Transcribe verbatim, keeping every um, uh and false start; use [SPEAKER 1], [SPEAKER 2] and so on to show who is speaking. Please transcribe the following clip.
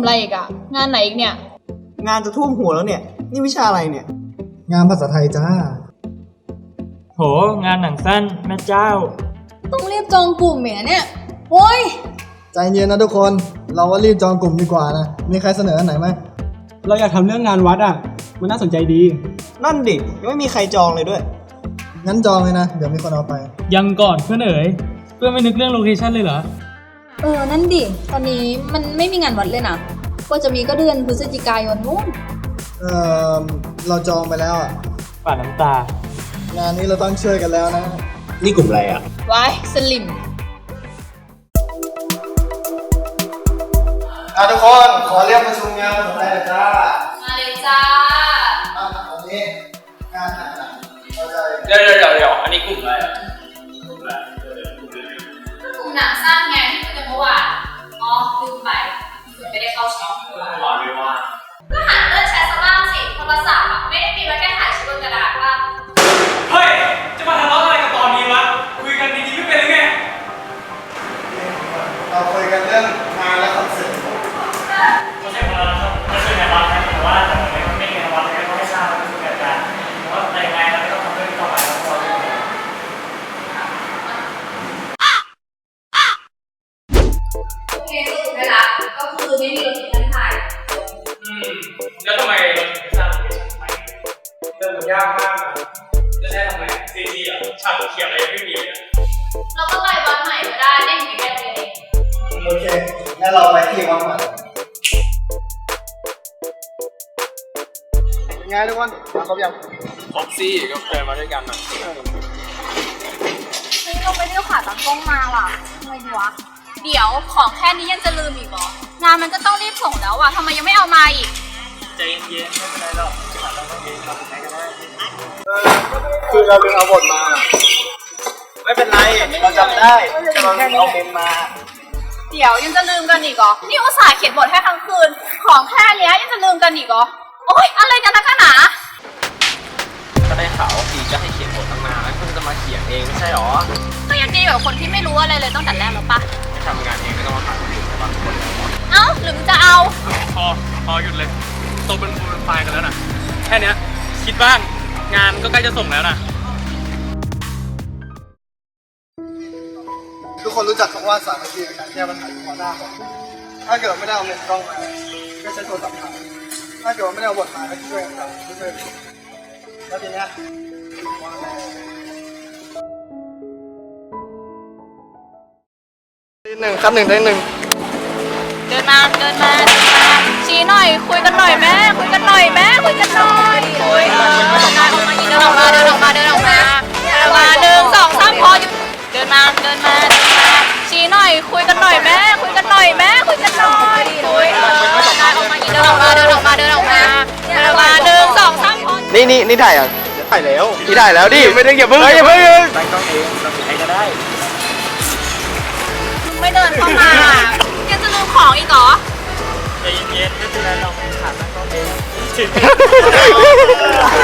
[SPEAKER 1] อะไรอีกอะงานไหนอีกเนี่ย
[SPEAKER 2] งานจะท่วมหัวแล้วเนี่ยนี่วิชาอะไรเนี่ย
[SPEAKER 3] งานภาษาไทยจ้า
[SPEAKER 4] โหงานหนังสั้นแม่เจ้า
[SPEAKER 1] ต้องรีบจองกลุ่มเหมียเนี่ยโอ้ย
[SPEAKER 3] ใจเย็นนะทุกคนเราว่ารีบจองกลุ่มดีกว่านะมีใครเสนออันไหนไหม
[SPEAKER 5] เราอยากทำเรื่องงานวัดอ่ะมันน่าสนใจดี
[SPEAKER 2] นั่นดิยังไม่มีใครจองเลยด้วย
[SPEAKER 3] งั้นจองเลยนะเดี๋ยวมีคนเอาไป
[SPEAKER 4] ยังก่อนเพื่อนเอ๋ยเพื่อนไม่นึกเรื่องโลเคชั่นเลยเหรอ
[SPEAKER 1] เออนั่นดิตอนนี้มันไม่มีงานวัดเลยนะก็จะมีก็เดือนพฤศจิกายนนู้น
[SPEAKER 3] เออเราจองไปแล้วอ่ะ
[SPEAKER 4] ป่าน้ำตาง
[SPEAKER 3] านนี้เราต้องช่วยกันแล้วนะ
[SPEAKER 2] นี่กลุ่มอะไรอ่ะ
[SPEAKER 1] ไว้สลิม
[SPEAKER 3] อ่ะทุกคนขอเรียกประชุมงานภาษาไทยเลยจ้า
[SPEAKER 1] มาเลยจ้า
[SPEAKER 3] อ่ะตอนนี้งานหนักเราจะ
[SPEAKER 6] เดี๋ยวเดี๋ยวเดี๋ยวอันนี้กลุ่มอะไรอ่ะกลุ่มอะไร
[SPEAKER 1] กลุ่มหนังสั้นไงที่คุยกันเมื่อวานอ๋อลืมไปถึงไม่ได้เข้าช็อป
[SPEAKER 6] หวานไม่ว่า
[SPEAKER 1] ก็หันเลื่อนแชทซะบ้างสิโทรศัพท์อ่ะไม่ได้มีไว้แค่ถ่ายชื่อบนกระดาษป่ะ
[SPEAKER 6] เฮ้ยจะมาทะเลาะอะไรกันตอนนี้วะคุยกันดีๆไม่เป็นหรือไง
[SPEAKER 3] เราคุยกันเรื่องงานและคอนเสิร์ต
[SPEAKER 6] ไม่ใช่คนละไม่ใช่งานวัดนะแต่ว่าแต่ผมไม่ไม่งานวัดเลยก็ไม่ทราบว่าคือเกิดการเพราะว่าแต่ยังไงเราไม่ต้องทำเรื่องต่อไปแล้วพอเลย
[SPEAKER 1] โอเคสรุปได้ละก็คือไม่มีรถที่ท่านถ่าย
[SPEAKER 6] อืมแล้วทำไมเราถึงไม่สร้างโลเคชั่นใหม่เรื่องมันยากมากจะได้ทำไมซีจีอ่ะฉากเขียนอะไรไม่มีเลย
[SPEAKER 1] เราก็ไปวัดใหม่ก็ได้ได้อยู่ใกล้ๆเอง
[SPEAKER 3] โอเคงั้นเราไปที่วัดใหม่เป็นไงทุกคนมาครบยัง
[SPEAKER 6] ครบซี่ก็เดินมาด้วยกันนะ
[SPEAKER 1] เฮ้ยเราไปเที่ยวขาตั้งกล้องมาว่ะทำไมดีวะเดี๋ยวของแค่นี้ยังจะลืมอีกเหรองานมันก็ต้องรีบส่งแล้วว่ะทำไมยังไม่เอามาอีก
[SPEAKER 6] ใจเย็นๆไม่เป็นไรหรอกขาตั้งกล้องเองเราเป็นใครก็ได้
[SPEAKER 3] คือเราลืมเอาบทมาไม่เป็นไรเราจำได้เราเอาเมมมา
[SPEAKER 1] เดี๋ยวยังจะลืมกันอีกเหรอนี่อุตส่าห์เขียนบทให้ทั้งคืนของแค่นี้ยังจะลืมกันอีกเหรอโอ๊ยอะไรกันนักหนา
[SPEAKER 6] ก็ได้ข่าวว่าปีก็ให้เขียนบทตั้งนานแล้วเพิ่งจะมาเขียนเองไม่ใช่หรอ
[SPEAKER 1] ก็ยังดีกว่าคนที่ไม่รู้อะไรเลยตั้งแต่แรกแล้วปะ
[SPEAKER 6] ไม่ทำงานเองไม่ต้องมาหาคนอื่นแต่บางคน
[SPEAKER 1] เอ้าหรือจะเอา
[SPEAKER 6] พอพอหยุดเลยโตเป็นฟูลไฟล์กันแล้วนะแค่นี้คิดบ้างงานก็ใกล้จะส่งแล้วนะ
[SPEAKER 3] ทุกคนรู้จักคำว่าสามัคคีในการแก้ปัญหาเฉพาะหน้าของถ้าเกิดไม่ได้เอาเงินกล้องมาก็ใช้โทรศัพท์ถ่ายถ้าเกิดไม่ได้เอาบทมาก็ช่วยกันทำช่วยแล้วทีเนี้ยหนึ่งครับหนึ่งได้หนึ่ง
[SPEAKER 1] เดินมาเดินมาเดินมาชี้หน่อยคุยกันหน่อยแม่คุยกันหน่อยแม่คุยกันหน่อยคุยเออเดินออกมาเดินออกมาเดินออกมาเดินออกมาเดินออกมาหนึ่งสองสามพอหยุดเดินมาเดินมาเดินมาชี้หน่อยคุยกันหน่อยแม่คุยกันหน่อยแม่คุยกันหน่อยคุยเออเดินออกมาเดินออกมาเดินออกมาเดินออกมาเดินออกมาหนึ่งสองสามพอ
[SPEAKER 3] นี่นี่นี่ถ่ายอ่ะถ่ายแล้วนี่ถ่ายแล้วดิไม่ต้องอย่าเพิ่งอย่าเพิ่ง
[SPEAKER 6] ตั้งกล้องเองเราเป็นใครก็ได้
[SPEAKER 1] ไม่เดินเข้ามายังจะลืมของอีกเหรอ
[SPEAKER 6] ใจเย็นๆไม่เป็นไรเราขาดตั้งกล้องเอง